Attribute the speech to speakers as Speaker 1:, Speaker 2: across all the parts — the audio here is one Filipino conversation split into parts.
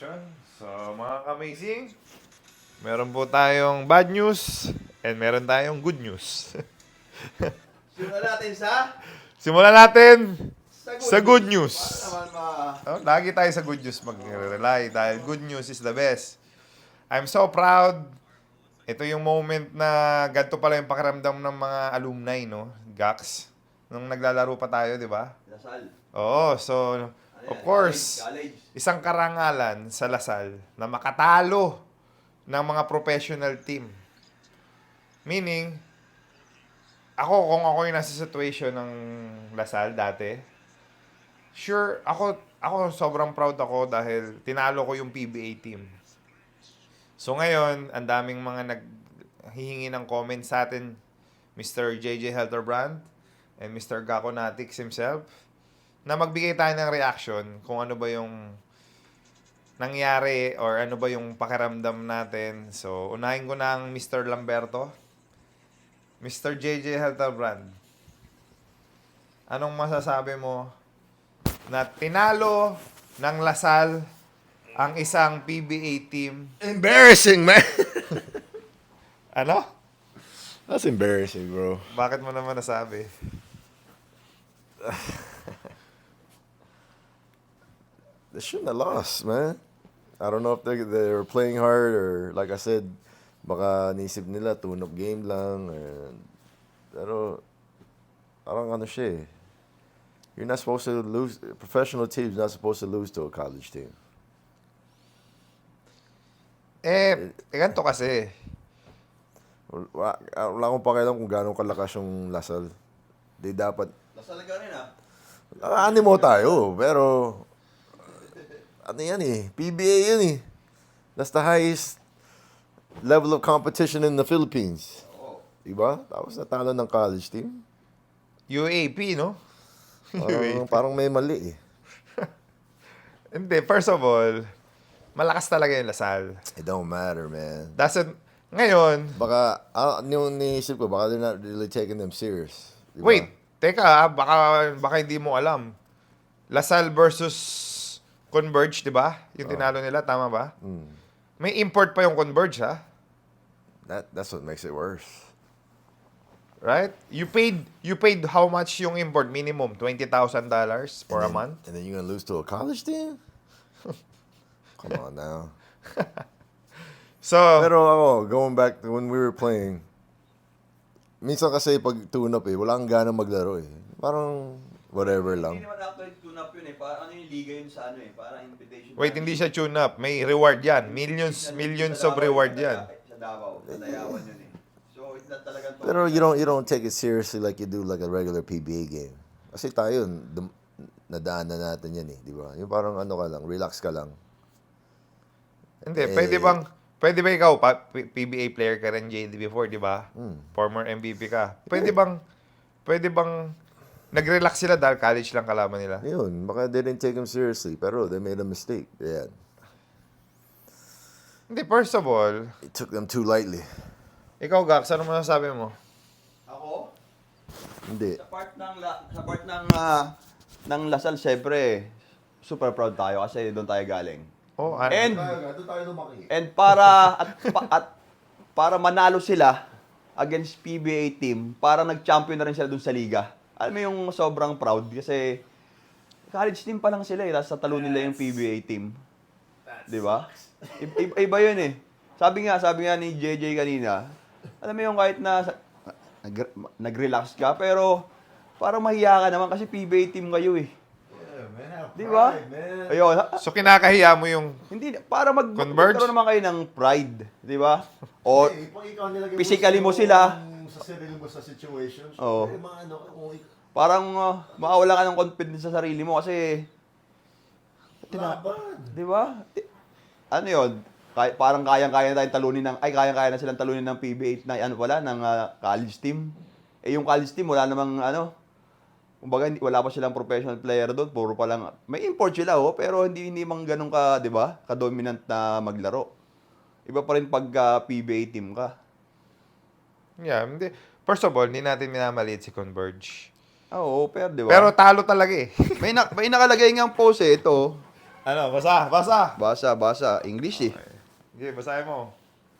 Speaker 1: So, mga ka-amazing, meron po tayong bad news and meron tayong good news.
Speaker 2: Simulan natin
Speaker 1: Simulan natin
Speaker 2: sa
Speaker 1: good
Speaker 2: good
Speaker 1: news.
Speaker 2: Para naman
Speaker 1: Oh, lagi tayo sa good news mag-rely dahil good news is the best. I'm so proud. Ito yung moment na ganito pala yung pakiramdam ng mga alumni, no? Gax. Nung naglalaro pa tayo, di ba?
Speaker 2: Lasal.
Speaker 1: Oo, so,
Speaker 2: Ano
Speaker 1: of
Speaker 2: yan?
Speaker 1: course,
Speaker 2: College.
Speaker 1: isang karangalan sa Lasal na makatalo ng mga professional team. Meaning, kung ako yung nasa situation ng Lasal dati, sure, ako sobrang proud ako dahil tinalo ko yung PBA team. So ngayon, ang daming mga naghihingi ng comments sa atin, Mr. JJ Helterbrand and Mr. Gako Natix himself, na magbigay tayo ng reaction kung ano ba yung nangyari or ano ba yung pakiramdam natin. So, unahin ko na ang Mr. Lamberto. Mr. JJ Helterbrand, anong masasabi mo na tinalo ng Lasal ang isang PBA team?
Speaker 2: Embarrassing, man.
Speaker 1: Ano?
Speaker 2: That's embarrassing, bro.
Speaker 1: Bakit mo naman nasabi?
Speaker 3: They shouldn't have lost, man. I don't know if they were playing hard or, like I said, baka nisip nila tune-up game lang. Pero, parang ano siya eh. You're not supposed to lose. A professional team's not supposed to lose to a college team.
Speaker 1: Ganito kasi.
Speaker 3: Wala akong pakialam kung gano'ng kalakas yung Lasal. Di dapat.
Speaker 2: Lasal ka rin, ha?
Speaker 3: Animo tayo, pero ano yan eh, PBA yan eh. That's the highest level of competition in the Philippines.
Speaker 2: Oo.
Speaker 3: Diba? Tapos natalo ng college team.
Speaker 1: UAP, no?
Speaker 3: Parang may mali eh.
Speaker 1: Hindi, first of all, malakas talaga yung Lasal.
Speaker 3: It don't matter, man.
Speaker 1: Ngayon,
Speaker 3: Baka, yung niisip ko, baka they're not really taking them serious. Diba?
Speaker 1: wait, teka, baka hindi mo alam. Lasal versus Converge, di ba? Yung tinalo nila, tama ba? May import pa yung Converge, ha?
Speaker 3: That's what makes it worse.
Speaker 1: Right? You paid how much yung import? Minimum $20,000 for a month?
Speaker 3: And then you're gonna lose to a college team? Come on now.
Speaker 1: So,
Speaker 3: Pero ako, going back to when we were playing, minsan kasi pag tune-up eh, wala kang gana maglaro eh. Parang whatever
Speaker 2: Hindi
Speaker 3: lang.
Speaker 2: naman actually tune-up yun, eh. Parang ano yung liga yun sa ano, eh. Parang invitation.
Speaker 1: wait, hindi siya tune up. May reward yan. Millions of reward yan.
Speaker 2: Sa Davao. Sa Dayawan yun, eh. So, it's not talagang...
Speaker 3: Pero you don't take it seriously like you do like a regular PBA game. Kasi tayo, nadaanan natin yan eh, di ba? Yung parang ano ka lang, relax ka lang.
Speaker 1: Hindi, pwede ba ikaw, PBA player ka rin, JD, before, di ba? Former MVP ka. Pwede bang nag-relax sila dahil college lang kalaban nila?
Speaker 3: Yun, baka they didn't take him seriously, pero they made a mistake. Yeah.
Speaker 1: Hindi, first of all,
Speaker 3: It took them too lightly.
Speaker 1: ikaw, Gax, ano masasabi mo?
Speaker 2: Ako?
Speaker 3: Hindi.
Speaker 2: Sa part ng Lasal, syempre, super proud tayo kasi doon tayo galing.
Speaker 1: Oh,
Speaker 2: And
Speaker 3: Doon tayo lumaki.
Speaker 2: And para manalo sila against PBA team, parang nag-champion na rin sila dun sa liga. Alam mo yung sobrang proud kasi college team pa lang sila eh, tapos natalo nila yung PBA team. Di ba? Iba yun eh. Sabi nga ni JJ kanina, alam mo yung kahit na nag-relax ka, pero parang mahiya ka naman kasi PBA team kayo eh. Di ba? Ayun.
Speaker 1: so kinakahiya mo yung
Speaker 2: Hindi, para
Speaker 1: Converge?
Speaker 2: magkaroon naman kayo ng pride, di ba? O, physically mo sila.
Speaker 3: Sa sarili mo sa situation.
Speaker 2: Oo.
Speaker 3: Kung
Speaker 2: parang mawala ka ng confidence sa sarili mo kasi, di ba? Ano yun? Parang kayang-kaya na tayong talunin kayang-kaya na silang talunin ng PBA na ng college team. Eh yung college team, wala namang kumbaga, wala pa silang professional player doon, puro pa lang. May import sila, pero hindi mang ganun ka, di ba? Ka-dominant na maglaro. Iba pa rin pag PBA team ka.
Speaker 1: Yeah, hindi. First of all, hindi natin minamaliit si Converge.
Speaker 2: Oo, pero di ba?
Speaker 1: Pero talo talaga eh.
Speaker 2: may nakalagay ngang post ito.
Speaker 1: Ano, basa.
Speaker 2: Basa. English eh.
Speaker 1: Sige, basahin mo.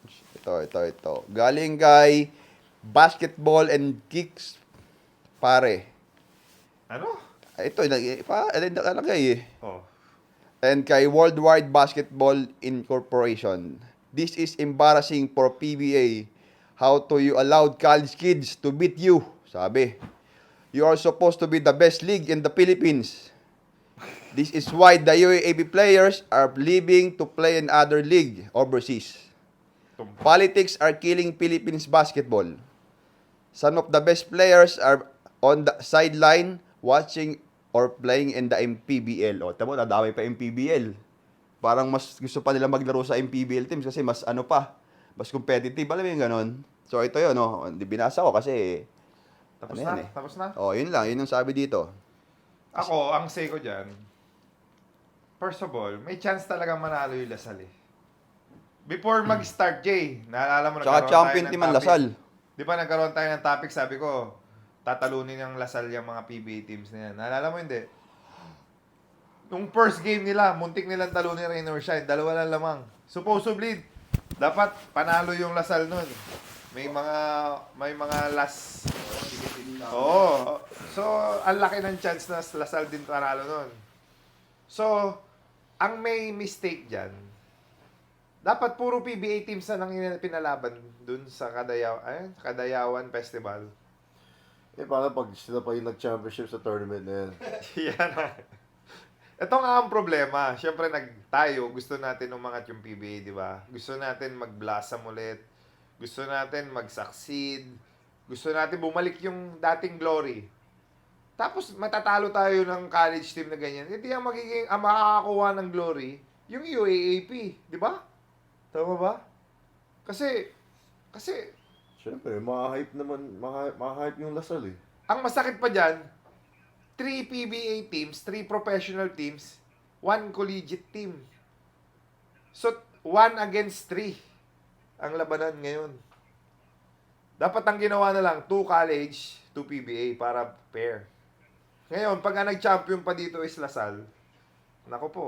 Speaker 2: Ito. Galing kay Basketball and Kicks, pare.
Speaker 1: Ano?
Speaker 2: Ito, nakalagay eh.
Speaker 1: Oh.
Speaker 2: And kay Worldwide Basketball Incorporation. This is embarrassing for PBA. How to you allowed college kids to beat you? Sabi. You are supposed to be the best league in the Philippines. This is why the UAAP players are leaving to play in other league overseas. Politics are killing Philippines basketball. Some of the best players are on the sideline watching or playing in the MPBL. O, tamo, nadamay pa MPBL. Parang mas gusto pa nila maglaro sa MPBL teams kasi mas mas competitive. Alam mo yung ganon? So, ito yun, no? Binasa ko kasi,
Speaker 1: Tapos
Speaker 2: ano
Speaker 1: na?
Speaker 2: yan eh.
Speaker 1: Tapos na?
Speaker 2: Oh, yun lang. Yun yung sabi dito.
Speaker 1: Ako, ang say ko dyan, first of all, may chance talaga manalo yung Lasal eh. Before mag-start, Jay, naalala mo
Speaker 2: Tsaka
Speaker 1: nagkaroon
Speaker 2: champion
Speaker 1: tayo ng
Speaker 2: team ang
Speaker 1: topic.
Speaker 2: Lasal.
Speaker 1: Di ba nagkaroon tayo ng topic, sabi ko, tatalunin ng Lasal yung mga PBA teams na yan. Naalala mo hindi? Nung first game nila, muntik nilang talunin Rain or Shine. Dalawa lang lamang. Supposedly, dapat panalo yung Lasal nun. May mga last. Oo. So, ang laki ng chance na Lasal din panalo nun. So, ang may mistake dyan, dapat puro PBA teams na nang pinalaban dun sa Kadayawan Festival.
Speaker 3: Eh, paano pag sila pa yung nag-championship sa tournament na yan?
Speaker 1: Yan na. Ito nga ang problema. Siyempre, tayo, gusto natin umangat yung PBA, di ba? Gusto natin mag-blossom ulit. Gusto natin mag-succeed. Gusto natin bumalik yung dating glory. Tapos, matatalo tayo ng college team na ganyan. Hindi ang makakakuha ng glory, yung UAAP. Di ba? Tama ba? Kasi,
Speaker 3: Siyempre, ma-hype naman, ma-hype yung Lasal eh.
Speaker 1: ang masakit pa dyan, 3 PBA teams, 3 professional teams, 1 collegiate team. So, 1 against 3 ang labanan ngayon. Dapat ang ginawa na lang, 2 college, 2 PBA para pair. Ngayon, pag nag-champion pa dito is Lasal, nako po.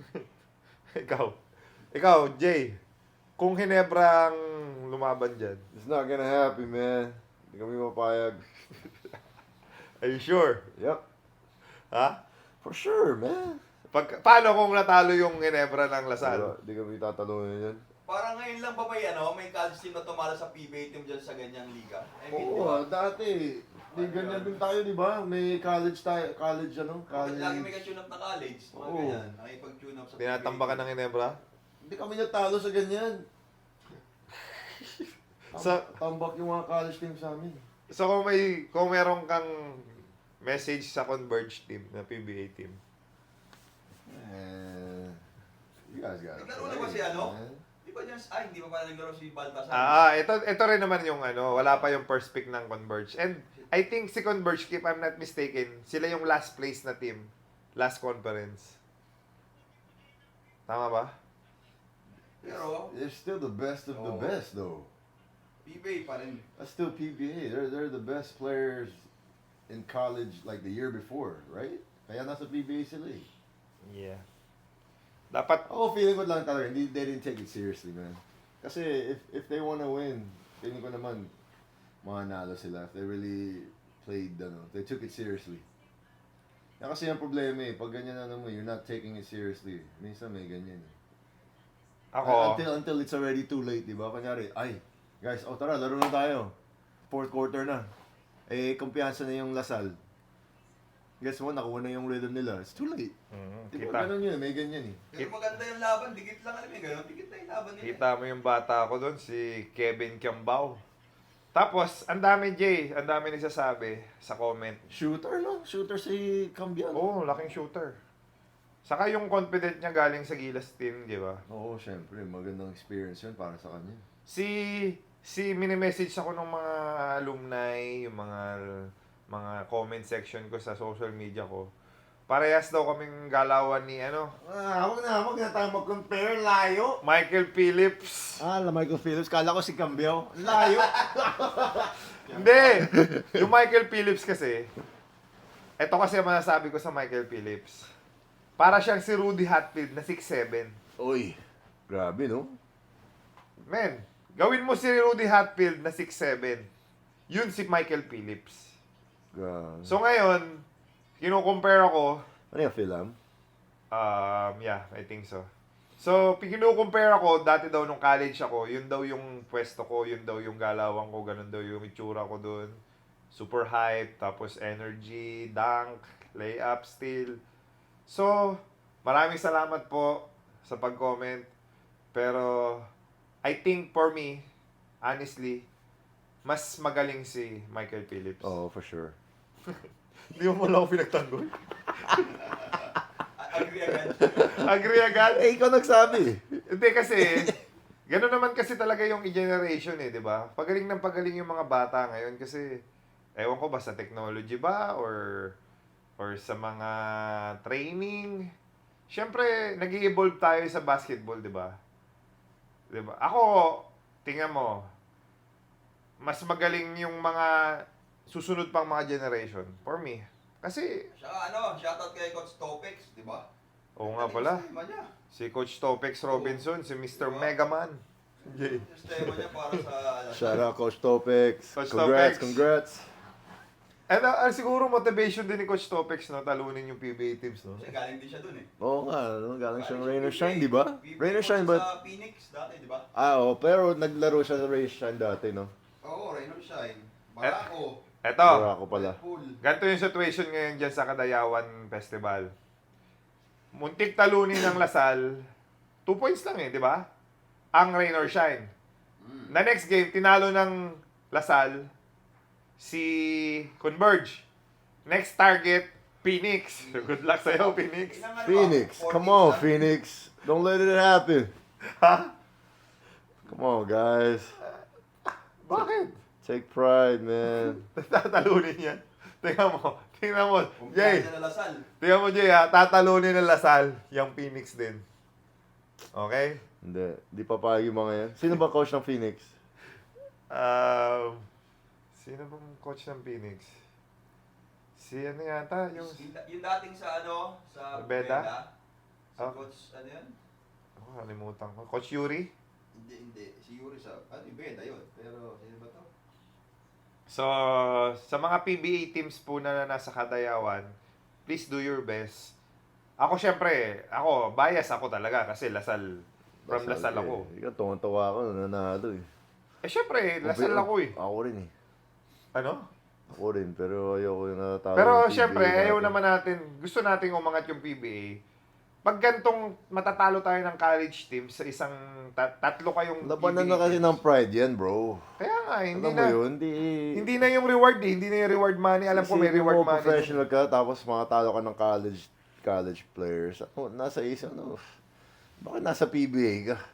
Speaker 1: Ikaw, Jay, kung Hinebra ang lumaban dyan,
Speaker 3: It's not gonna happen, man. Hindi kami mapayag.
Speaker 1: are you sure?
Speaker 3: Yep.
Speaker 1: Ha?
Speaker 3: For sure, man.
Speaker 1: Paano kung natalo yung Ginebra ng Lasal?
Speaker 3: Hindi kami tatalunin yan.
Speaker 2: Parang ngayon lang ba may college team na tumalo sa PBA team dyan sa ganyang liga?
Speaker 3: Oo, dati. Di ganyan din tayo, di ba? May college tayo, college.
Speaker 2: Lagi may ka-tune up na college. Mga
Speaker 3: Oo.
Speaker 2: ganyan. Nakipag-tune up sa
Speaker 1: Tinatambakan ng Ginebra?
Speaker 3: Hindi kami natalo sa ganyan. Tambak yung mga college team sa amin.
Speaker 1: So kung meron kang message sa Converge team na PBA team.
Speaker 3: You guys got it.
Speaker 2: Naglaro na ba si Di ba dyan, hindi pa pala naglaro si Baltasar?
Speaker 1: Ito rin naman yung wala pa yung first pick ng Converge. And I think si Converge, if I'm not mistaken, sila yung last place na team. Last conference. Tama ba?
Speaker 2: Pero,
Speaker 3: They're still the best of the
Speaker 2: Oo.
Speaker 3: best, though.
Speaker 2: PBA pa rin.
Speaker 3: That's still PBA. They're the best players in college like the year before, right? Kaya nasa PBA sila eh.
Speaker 1: Yeah. Dapat,
Speaker 3: Ako feeling ko lang talaga, they didn't take it seriously, man. Kasi if they wanna win, feeling ko naman, mananalo sila. If they really played, if they took it seriously. Yan kasi yung problema eh, pag ganyan mo, you're not taking it seriously. Minsan may ganyan eh.
Speaker 1: ako,
Speaker 3: Until it's already too late, di ba? Kunyari, guys, tara, laro na tayo. Fourth quarter na. Eh, kumpiyansa na yung Lasal. Guess mo, nakuha na yung rhythm nila. It's too late. Di ba,
Speaker 1: kita.
Speaker 3: ganun yun, may ganyan eh.
Speaker 2: Pero maganda yung laban, dikit lang alam mo gano'n, dikit na yung laban nila.
Speaker 1: Kita mo yung bata ko doon, si Kevin Kiambao. Tapos, ang dami, Jay, ang dami nagsasabi sa comment.
Speaker 3: Shooter, no? Shooter si Cambiano.
Speaker 1: Oo, laking shooter. Saka yung confident niya galing sa Gilas team, di ba?
Speaker 3: Oo, syempre. Magandang experience yun para sa kanya.
Speaker 1: Mini-message ako ng mga alumni, yung mga comment section ko sa social media ko. Parehas daw kaming galawan ni
Speaker 3: Huwag na tayo mag-compare. Layo.
Speaker 1: Michael Phillips.
Speaker 3: Michael Phillips. Kala ko si Cambiao. Layo.
Speaker 1: Hindi! Yung Michael Phillips kasi, eto kasi ang masasabi ko sa Michael Phillips. Para siyang si Rudy Hatfield na 6'7".
Speaker 3: Uy, grabe, no?
Speaker 1: Men, gawin mo si Rudy Hatfield na 6'7". Yun si Michael Phillips.
Speaker 3: Grabe.
Speaker 1: So ngayon, kino-compare ako,
Speaker 3: Ano yung film?
Speaker 1: yeah, I think so. So, kino-compare ako, dati daw nung college ako, yun daw yung pwesto ko, yun daw yung galawan ko, ganun daw yung itsura ko dun. Super hype, tapos energy, dunk, layup, steal. So, maraming salamat po sa pag-comment. Pero, I think for me, honestly, mas magaling si Michael Phillips.
Speaker 3: Oh, for sure.
Speaker 1: Hindi mo lang ako pinagtanggol.
Speaker 2: Agree agad.
Speaker 1: Agree agad?
Speaker 3: Eh, ikaw nagsabi.
Speaker 1: Hindi kasi, gano'n naman kasi talaga yung generation eh, di ba? Pagaling ng pagaling yung mga bata ngayon kasi, ewan ko ba sa technology ba or sa mga training. Siyempre, nag-evolve tayo sa basketball, di ba? Di ba? Ako, tingnan mo, mas magaling yung mga susunod pang mga generation for me. Kasi,
Speaker 2: Siya shoutout kay Coach Topex, di ba?
Speaker 1: oo nga pala,
Speaker 2: Sistema niya.
Speaker 1: si Coach Topex Robinson, si Mr. Megaman. Yay.
Speaker 2: Sistema niya para sa...
Speaker 3: Shout out, Coach Topex.
Speaker 1: Coach
Speaker 3: Congrats,
Speaker 1: Topex.
Speaker 3: congrats.
Speaker 1: And siguro motivation din ni Coach Topex, no? Talunin yung PBA teams, no?
Speaker 2: Kasi galing din siya dun eh.
Speaker 3: Oo nga, no? Galing siyang Rain or
Speaker 2: PBA.
Speaker 3: Shine, di ba?
Speaker 2: PBA
Speaker 3: Rain or
Speaker 2: coach
Speaker 3: Shine,
Speaker 2: siya
Speaker 3: but...
Speaker 2: sa Phoenix dati, di ba?
Speaker 3: Oo, pero naglaro siya sa Rain or Shine dati, no?
Speaker 2: Oo, Rain or Shine. Barako.
Speaker 1: Eto,
Speaker 3: Wala ako pala.
Speaker 2: Pool.
Speaker 1: ganito yung situation ngayon dyan sa Kadayawan Festival. Muntik talunin ng Lasal, 2 points lang eh, di ba? Ang Rain or Shine. Na next game, tinalo ng Lasal si Converge. Next target, Phoenix. Good luck sa'yo, Phoenix.
Speaker 2: Ilang ano ba?
Speaker 3: Phoenix,
Speaker 2: 4
Speaker 3: come
Speaker 2: games
Speaker 3: on,
Speaker 2: lang?
Speaker 3: Phoenix. Don't let it happen.
Speaker 1: Ha?
Speaker 3: Come on, guys.
Speaker 1: Bakit?
Speaker 3: Take pride, man.
Speaker 1: Tatalunin yan. Tingnan mo. Jay,
Speaker 2: Kumpiyansa na Lasal.
Speaker 1: tingnan mo, Jay, ha? Tatalunin ng Lasal, yung Phoenix din. Okay?
Speaker 3: Hindi papayag yung mga yan. Sino ba coach ng Phoenix?
Speaker 1: Sino bang coach ng Phoenix? Si ano yata, yung...
Speaker 2: Yung dating sa sa
Speaker 1: Beda?
Speaker 2: Si
Speaker 1: Oh.
Speaker 2: Coach, ano yan?
Speaker 1: Oh, kalimutan ko. Coach Yuri?
Speaker 2: Hindi. Si Yuri sa, Beda yun. Pero, sino ba to?
Speaker 1: So, sa mga PBA teams po na nasa Kadayawan, please do your best. Ako syempre, bias ako talaga kasi Lasal. From Lasal ako.
Speaker 3: Ikaw, tuwan-tuwa ako, nanalo eh.
Speaker 1: Eh syempre, Lasal ako eh.
Speaker 3: Ako rin eh.
Speaker 1: Ano?
Speaker 3: Ako rin, pero ayoko yung natatalo.
Speaker 1: Pero
Speaker 3: ng
Speaker 1: syempre,
Speaker 3: PBA
Speaker 1: ayaw
Speaker 3: natin.
Speaker 1: naman natin, gusto nating umangat yung PBA. Pag gantong matatalo tayo ng college team sa isang tatlo kayong
Speaker 3: Labanan
Speaker 1: PBA
Speaker 3: na kasi
Speaker 1: teams.
Speaker 3: ng pride yan, bro.
Speaker 1: Kaya nga, hindi
Speaker 3: Alam mo
Speaker 1: na.
Speaker 3: yun,
Speaker 1: Hindi na yung reward eh. Hindi na yung reward money. Alam ko may
Speaker 3: Isipin
Speaker 1: reward
Speaker 3: mo,
Speaker 1: money.
Speaker 3: professional ka, tapos makatalo ka ng college players. Nasa isang, bakit nasa PBA ka?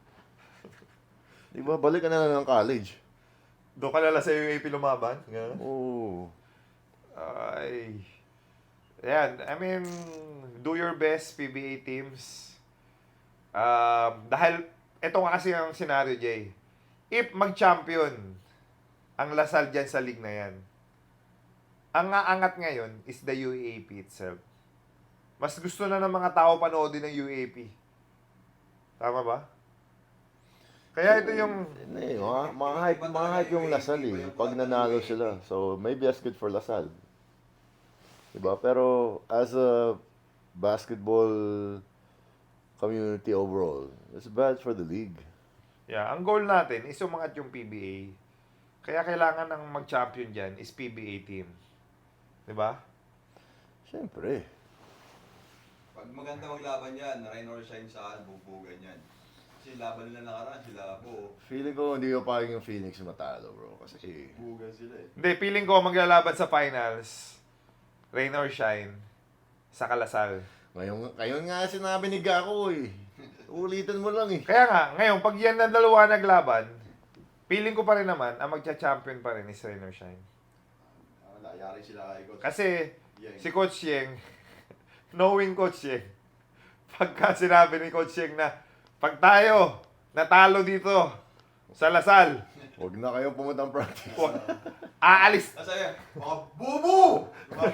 Speaker 3: Di ba, balik ka na lang ng college.
Speaker 1: Doon ka lala sa UAP lumaban. Ganun.
Speaker 3: Oo.
Speaker 1: Ay. Ayan, I mean, do your best, PBA teams. Dahil, ito nga kasi ang scenario, Jay. If mag-champion ang Lasal dyan sa league na yan, ang aangat ngayon is the UAP itself. Mas gusto na ng mga tao panoodin ng UAP. Tama ba? Kaya ito yung...
Speaker 3: Hindi, mga hype yung Lasal eh. Pag nanalo sila. So, maybe that's good for Lasal. Diba? Pero, as a basketball community overall, it's bad for the league.
Speaker 1: Yeah, ang goal natin is umangat yung PBA. Kaya kailangan ng mag-champion dyan is PBA team. Diba?
Speaker 3: Siyempre.
Speaker 2: Pag maganda maglaban yan, Rain or Shine sa bubugan yan. Kasi laban nila nakaraan, sila po.
Speaker 3: Feeling ko hindi ko payag yung Phoenix matalo, bro. Kasi,
Speaker 2: Bubugan sila eh.
Speaker 1: Hindi, feeling ko maglalaban sa finals, rain or shine, sa Kalasal.
Speaker 3: ngayon nga sinabi ni Gako eh. Ulitin mo lang eh.
Speaker 1: Kaya nga, ngayon, pag yan na dalawa naglaban, feeling ko pa rin naman, ang magcha-champion pa rin is rain or shine.
Speaker 2: Wala, yari sila kay Coach.
Speaker 1: Kasi,
Speaker 2: Yeng.
Speaker 1: si Coach Yeng, knowing Coach Yeng, pagka sinabi ni Coach Yeng na, pag tayo natalo dito sa Lasal,
Speaker 3: Huwag na kayong pumunta ng practice.
Speaker 1: Aalis.
Speaker 2: Sabi, mga bubu!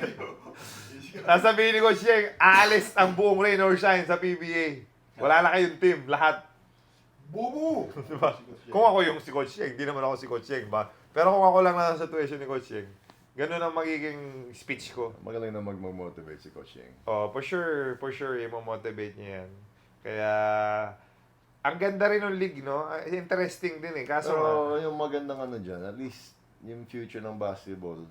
Speaker 1: Sasabihin ni Coach Yeng, aalis ang buong rain or shine sa PBA. Wala na kayong team, lahat.
Speaker 2: Bubu!
Speaker 1: Diba? Kung ako yung si Coach Yeng, hindi naman ako si Coach Yeng ba? Pero kung ako lang na sa situation ni Coach Yeng, ganun ang magiging speech ko.
Speaker 3: Magaling na mag-motivate si Coach Yeng.
Speaker 1: Oh, for sure, i-motivate niya yan. Kaya, ang ganda rin ng league, no? Interesting din eh. Kaso nga,
Speaker 3: Pero yung magandang ano dyan, at least yung future ng basketball,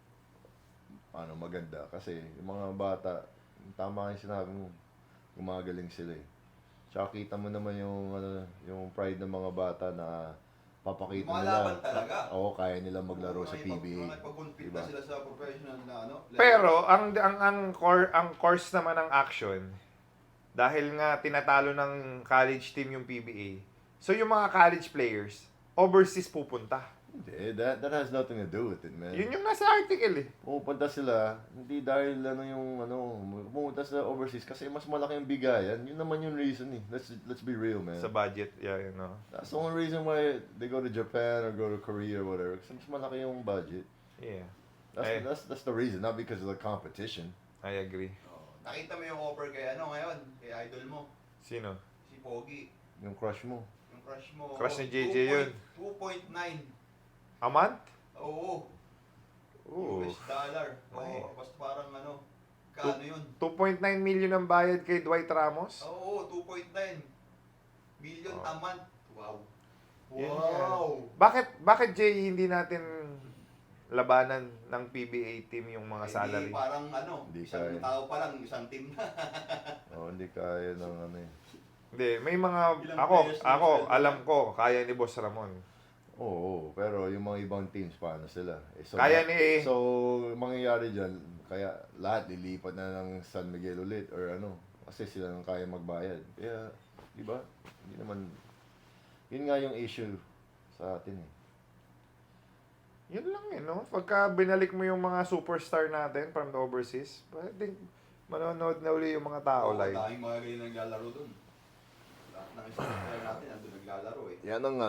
Speaker 3: maganda. Kasi yung mga bata, tama yung sinabi mo, gumagaling sila eh. Tsaka kita mo naman yung pride ng mga bata na papakita
Speaker 2: Malaban
Speaker 3: nila.
Speaker 2: talaga.
Speaker 3: Oo, kaya nila maglaro sa PBA.
Speaker 2: Pag-compete
Speaker 3: Diba?
Speaker 2: na sila sa professional na level.
Speaker 1: pero ang course naman ng action, dahil nga tinatalo ng college team yung PBA. So yung mga college players, overseas pupunta.
Speaker 3: Hindi, that has nothing to do with it, man.
Speaker 1: Yun yung nasa article eh.
Speaker 3: Pumupunta sila, hindi dahil pumunta sila overseas kasi mas malaki yung bigayan. Yun naman yung reason eh. Let's be real, man.
Speaker 1: Sa budget, yeah, you know.
Speaker 3: That's the only reason why they go to Japan or go to Korea or whatever. Kasi mas malaki yung budget.
Speaker 1: Yeah,
Speaker 3: That's the reason, not because of the competition.
Speaker 1: I agree.
Speaker 2: Oh, nakita mo yung offer kay ngayon, kay idol mo,
Speaker 1: Sino?
Speaker 2: si Pogi.
Speaker 3: Yung crush mo.
Speaker 2: Yung crush mo.
Speaker 1: Crush ni JJ yun.
Speaker 2: 2.9.
Speaker 1: A month?
Speaker 2: Oo.
Speaker 1: Ooh.
Speaker 2: US dollar.
Speaker 1: Ay.
Speaker 2: Oo, basta parang kaano yun?
Speaker 1: 2.9 million ang bayad kay Dwight Ramos?
Speaker 2: Oo, 2.9 million
Speaker 1: Oh.
Speaker 2: a month. Wow.
Speaker 1: Yun
Speaker 2: Wow.
Speaker 1: Bakit Jay hindi natin labanan ng PBA team yung mga salary?
Speaker 2: Hindi, parang
Speaker 3: Hindi
Speaker 2: isang
Speaker 3: kaya.
Speaker 2: tao pa lang, isang team na.
Speaker 3: Hindi kaya ng
Speaker 1: Hindi, may mga
Speaker 2: Ilang
Speaker 1: ako
Speaker 2: players na sweldo
Speaker 1: alam ko kaya ni Boss Ramon.
Speaker 3: Oo, pero yung mga ibang teams, paano sila?
Speaker 1: Kaya ni-
Speaker 3: So, mangyayari dyan, kaya lahat lilipat na ng San Miguel ulit or kasi sila nang kaya magbayad. Kaya, di ba? Hindi naman, yun nga yung issue sa atin eh.
Speaker 1: Yun lang eh, no? Pagka binalik mo yung mga superstar natin from the overseas, pwedeng manonood na uli yung mga tao live.
Speaker 2: Daming mga ganyan naglalaro dun. Lahat ng isang player natin nandun naglalaro eh.
Speaker 3: Yan ang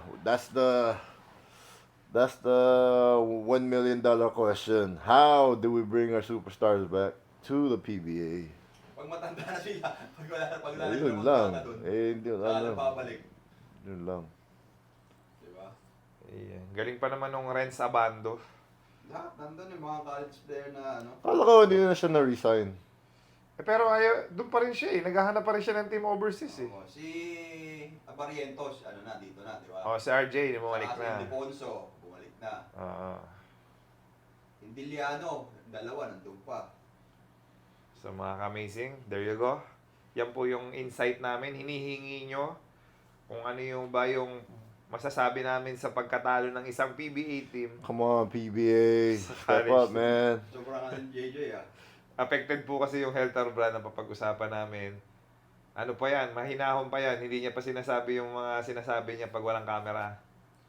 Speaker 3: that's the $1 million question. How do we bring our superstars back to the PBA?
Speaker 2: Pag matanda na sila, pag wala na
Speaker 3: Yun
Speaker 2: silang
Speaker 3: lang.
Speaker 2: kontrata dun,
Speaker 3: Hindi,
Speaker 2: saan babalik?
Speaker 3: Yun lang.
Speaker 2: Diba?
Speaker 1: Ayan. Galing pa naman nung Renz Abando.
Speaker 2: Lahat nandun yung mga college player na
Speaker 3: Kala ko hindi na siya na-resign.
Speaker 1: Pero doon pa rin siya eh. Naghahanap pa rin siya ng team overseas eh.
Speaker 2: Oo, si Abarientos, dito na, di ba?
Speaker 1: Oh, si RJ, bumalik
Speaker 2: Saka
Speaker 1: na.
Speaker 2: Si Deponso, bumalik na.
Speaker 1: Oo.
Speaker 2: Indiliano, dalawa, nandun pa.
Speaker 1: So mga ka-amazing, there you go. Yan po yung insight namin. Hinihingi nyo kung ano yung masasabi namin sa pagkatalo ng isang PBA team.
Speaker 3: Come on, PBA. Step
Speaker 1: college
Speaker 3: up,
Speaker 1: team.
Speaker 3: man.
Speaker 2: Sobrang JJ
Speaker 1: Affected po kasi yung health or brand na papag-usapan namin. Ano pa yan? Mahinahon pa yan. Hindi niya pa sinasabi yung mga sinasabi niya pag walang camera.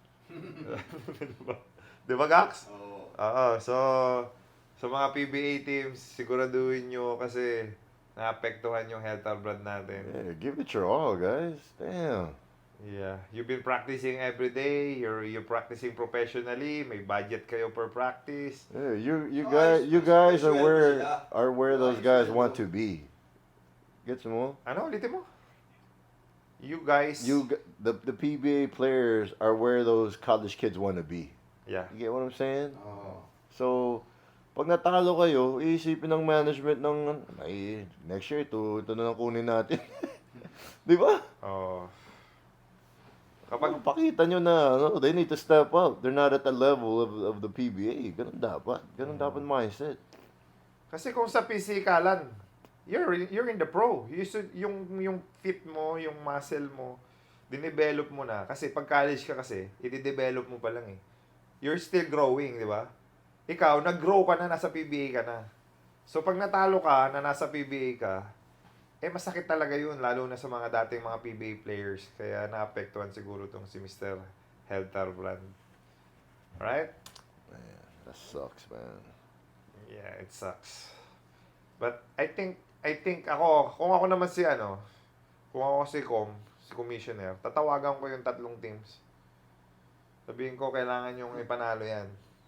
Speaker 1: Di ba, Gax?
Speaker 2: Oo.
Speaker 1: Oo. So, sa mga PBA teams, siguraduhin nyo kasi naapektuhan yung health or brand natin.
Speaker 3: Yeah, give it your all, guys. Damn.
Speaker 1: Yeah. You've been practicing every day. You're practicing professionally. May budget kayo per practice.
Speaker 3: Yeah, you
Speaker 2: No,
Speaker 3: guys
Speaker 2: sweldo sila.
Speaker 3: are where
Speaker 2: No,
Speaker 3: those guys
Speaker 2: sweldo.
Speaker 3: want to be. Gets mo?
Speaker 1: Ano? Ulitin mo. You guys...
Speaker 3: The PBA players are where those college kids want to be.
Speaker 1: Yeah.
Speaker 3: You get what I'm saying?
Speaker 2: Oo.
Speaker 3: So, pag natalo kayo, iisipin ng management ng ay, next year ito na lang kunin natin. Di ba?
Speaker 1: Oh.
Speaker 3: Kapag pakita nyo na they need to step up. They're not at the level of the PBA. Ganun dapat. Ganun dapat mindset.
Speaker 1: Kasi kung sa pisikalan, you're in the pro. Yung fit mo, yung muscle mo, dinevelop mo na. Kasi pag college ka kasi, i-develop mo pa lang eh. You're still growing, di ba? Ikaw, nag-grow ka na, nasa PBA ka na. So pag natalo ka, na nasa PBA ka, masakit talaga yun, lalo na sa mga dating mga PBA players. Kaya naapektuhan siguro tong si Mr. Heltar Brand. Right?
Speaker 3: Man, that sucks, man.
Speaker 1: Yeah, it sucks. But I think ako, kung ako naman kung ako si Commissioner, tatawagan ko yung tatlong teams. Sabihin ko, kailangan yung ipanalo yan.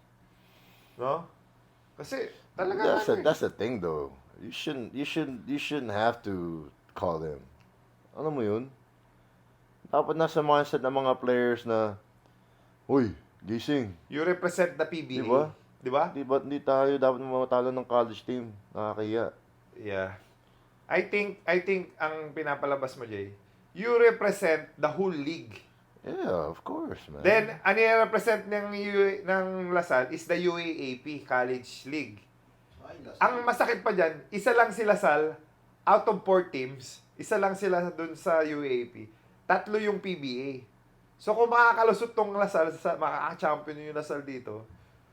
Speaker 1: No? Kasi, talaga
Speaker 3: That's the thing though. You shouldn't have to call them. Alam mo yun? Dapat nasa mindset ng mga players na, uy, gising.
Speaker 1: You represent the PBA.
Speaker 3: Di ba?
Speaker 1: Di ba?
Speaker 3: Di tayo dapat matalo ng college team. Nakakaya.
Speaker 1: Yeah. I think ang pinapalabas mo, Jay, you represent the whole league.
Speaker 3: Yeah, of course, man.
Speaker 1: Then, ano yung represent ng Lasal is the UAAP College League. Ang masakit pa dyan, isa lang si Lasal, out of 4 teams, isa lang sila dun sa UAAP. 3 yung PBA. So, kung makakalusot tong Lasal, makaka-champion yung Lasal dito,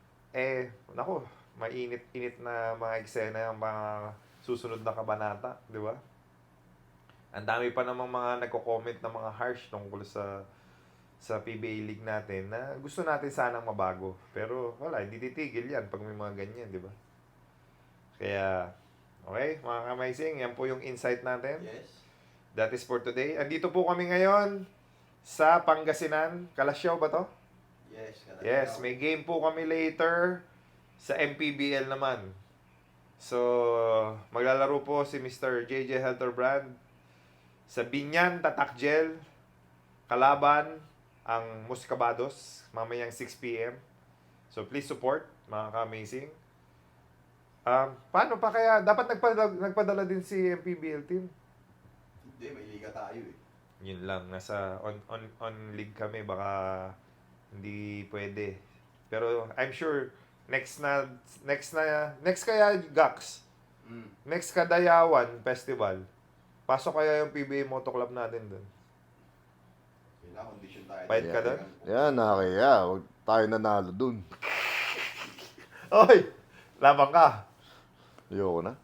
Speaker 1: nako, mainit-init na mga eksena yung mga susunod na kabanata, di ba? Ang dami pa namang mga nagko-comment na mga harsh tungkol sa PBA League natin na gusto natin sanang mabago. Pero wala, hindi titigil yan pag may mga ganyan, di ba? Kaya, okay, mga ka-amazing, yan po yung insight natin.
Speaker 2: Yes.
Speaker 1: That is for today. Andito po kami ngayon sa Pangasinan. Kalasyaw ba to?
Speaker 2: Yes.
Speaker 1: Yes, may game po kami later sa MPBL naman. So, maglalaro po si Mr. JJ Helterbrand sa Binyan Tatakjel. Kalaban ang Muscabados mamayang 6 p.m. So, please support, mga ka-amazing. Paano pa kaya? Dapat nagpadala din si MPBL team.
Speaker 2: Hindi, may liga tayo eh.
Speaker 1: Yun lang, nasa on league kami, baka hindi pwede. Pero I'm sure next kaya Gax. Next Kadayawan Festival. Pasok kaya yung PBA Moto Club natin doon.
Speaker 2: Kailangan condition tayo.
Speaker 1: Fight ka doon?
Speaker 3: Yan, nakakaya. Huwag tayo nanalo dun.
Speaker 1: Oy! Labang ka.
Speaker 3: Ayoko na.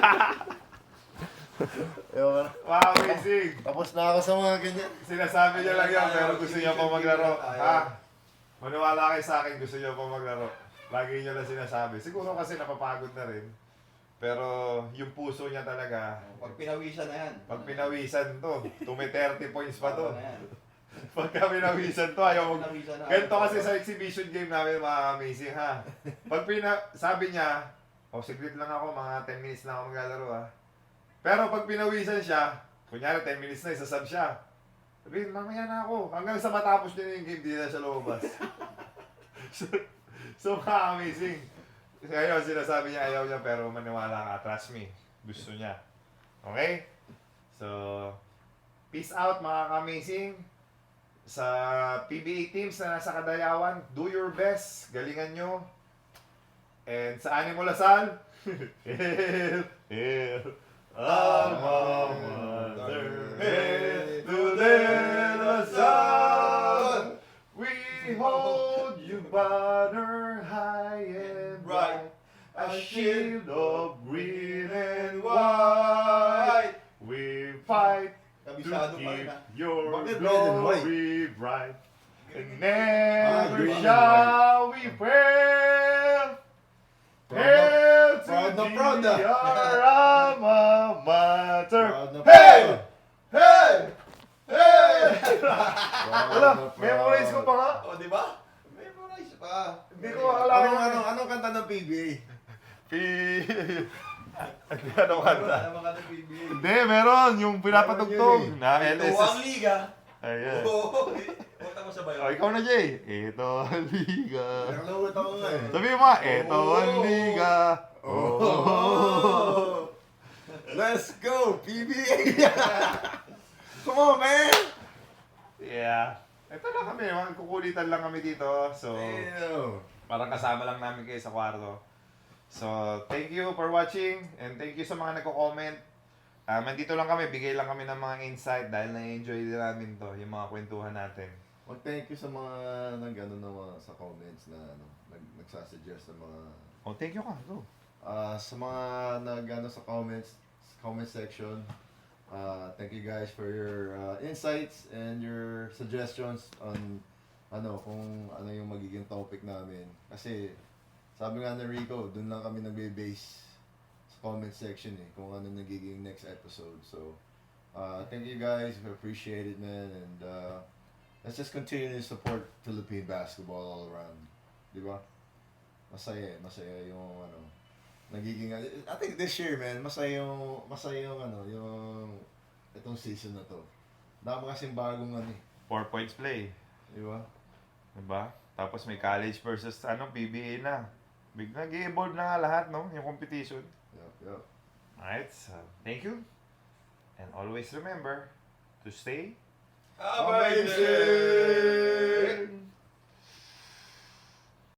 Speaker 1: Wow, amazing!
Speaker 3: Tapos na ako sa mga ganyan.
Speaker 1: Sinasabi niya lang yan, pero gusto niya pa maglaro. Ha? Maniwala kayo sa akin, gusto niya pa maglaro. Lagi niya lang sinasabi. Siguro kasi napapagod na rin. Pero yung puso niya talaga,
Speaker 2: Pag pinawisan na yan.
Speaker 1: pag pinawisan to, 30 points pa to.
Speaker 2: Tama na yan.
Speaker 1: Pagka pinawisan to, ayaw mag...
Speaker 2: Pinawisan na.
Speaker 1: Ganito kasi sa exhibition game namin, mga amazing ha. Pag sabi niya, siglit lang ako, mga 10 minutes na ako maglalaro ha. Pero pag pinawisan siya, kunyari 10 minutes na, isasab siya. Sabihin, mamaya na ako. Hanggang sa matapos niya yung game, di na siya lumabas. so mga amazing. Ngayon, sinasabi niya ayaw niya, pero maniwala ka, trust me. Gusto niya. Okay? So, peace out mga ka-amazing. Sa PBA teams na nasa Kadayawan, do your best. Galingan nyo. And sa Animo Lasal, hail, Alma Mater, hail to the Lasal. We hold you banner high and bright, a shield of green and white. We fight to
Speaker 2: Kabisado pa rin
Speaker 1: keep
Speaker 2: ha.
Speaker 1: your
Speaker 3: Bakit red and white?
Speaker 1: glory bright, and never
Speaker 3: green and
Speaker 1: shall we fail. Hail to
Speaker 3: proud na
Speaker 1: thee,
Speaker 3: proud na.
Speaker 1: our alma mater.
Speaker 3: Proud na
Speaker 1: Hey!
Speaker 3: proud.
Speaker 1: Hey! Hey!
Speaker 3: Proud
Speaker 1: Wala,
Speaker 3: na proud.
Speaker 1: memorize ko pa nga.
Speaker 2: O, di ba? Memorize pa.
Speaker 1: Hindi ko alam.
Speaker 3: Anong kanta ng PBA?
Speaker 1: Ano kanta?
Speaker 2: Ano mga ng PBA?
Speaker 1: Hindi, meron. Yung pinapatugtog na
Speaker 2: Ito ang
Speaker 1: LSS.
Speaker 2: liga.
Speaker 1: Ayan.
Speaker 2: Oo. Punta mo sa bayo.
Speaker 1: Oh, ikaw na, Jay. Ito ang liga.
Speaker 3: Nakalawit ako nga eh.
Speaker 1: Sabi mo, ito ang liga.
Speaker 3: Oh. Let's go, PBA! Come on, man!
Speaker 1: Yeah. Ito lang kami. Kukulitan lang kami dito. So,
Speaker 3: Damn.
Speaker 1: parang kasama lang namin kayo sa kwarto. So, thank you for watching and thank you sa mga nagko-comment. Nandito lang kami, bigay lang kami ng mga insight dahil na-enjoy din namin to, yung mga kwentuhan natin.
Speaker 3: Thank you sa mga nag-ano na mga sa comments na nagsasuggest ng mga
Speaker 1: Oh, thank you ka. Go.
Speaker 3: sa mga nag-ano sa comment section. Thank you guys for your insights and your suggestions on kung ano yung magiging topic namin. Kasi sabi nga ni Rico, dun lang kami nagbe-base sa comment section kung ano nagiging next episode. So, thank you guys. We appreciate it, man. And let's just continue to support Philippine basketball all around. Di ba? Masaya yung ano. Nagiging, I think this year, man, masaya yung ano, yung itong season na to. Dami kasing bagong ano eh.
Speaker 1: 4 points play.
Speaker 3: Di ba?
Speaker 1: Diba? Tapos may college versus PBA na. Biglang nag-evolve na nga lahat, no? Yung competition.
Speaker 3: Yup.
Speaker 1: Alright, so thank you. And always remember to stay
Speaker 3: Amazing!